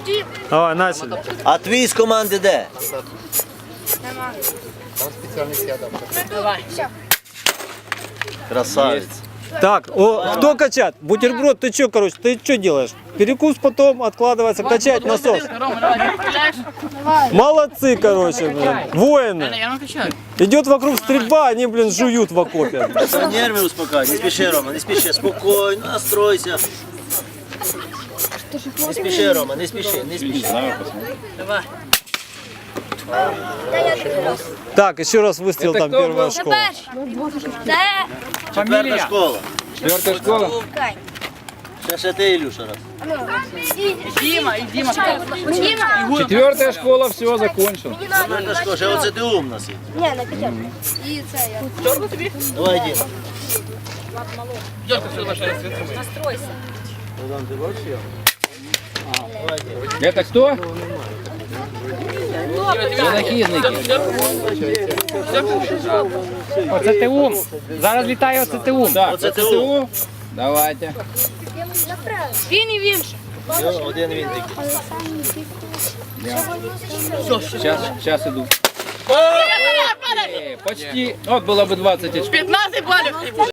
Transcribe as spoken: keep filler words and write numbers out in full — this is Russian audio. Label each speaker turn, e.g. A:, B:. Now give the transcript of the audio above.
A: Давай, начали.
B: А твій з команди де?
C: Давай.
B: Красавець.
A: Так, о, кто качать? Бутерброд, ты что, короче, ты что делаешь? Перекус потом откладывается, качать насос.
C: Рома, давай, ты стреляешь?
A: Молодцы, короче, блин, воины.
C: Я не качаю.
A: Идет вокруг стрельба, они, блин, жуют в окопе.
B: Все, нерви успокой. Не спіши, Рома, не спіши. Спокійно, настройся. Не спіши, Рома, не спіши, не спіши.
C: Давай.
A: Так, еще раз выстрел, там первая школа.
B: Четверта школа.
D: Четвертая школа.
B: Ще, ще ти, Ілюша, раз.
C: Дима, и Дима.
D: Четвертая школа, все, закончил.
B: Четверта школа, ще оце ти ум нас є.
E: Ні, на п'ятерку. І це я.
B: Давай, Діма.
C: Дёрка все наша.
D: Это кто? Винахідники.
F: Оце ТУ. Зараз літає оце ТУ.
D: Так,
B: Оце
D: це
B: ТУ.
D: ТУ. Давайте.
E: Він і він.
B: Все, один він такий.
D: Сейчас, сейчас иду. Э, Почти. Вот было бы двадцать очков.
C: пятнадцать баллов.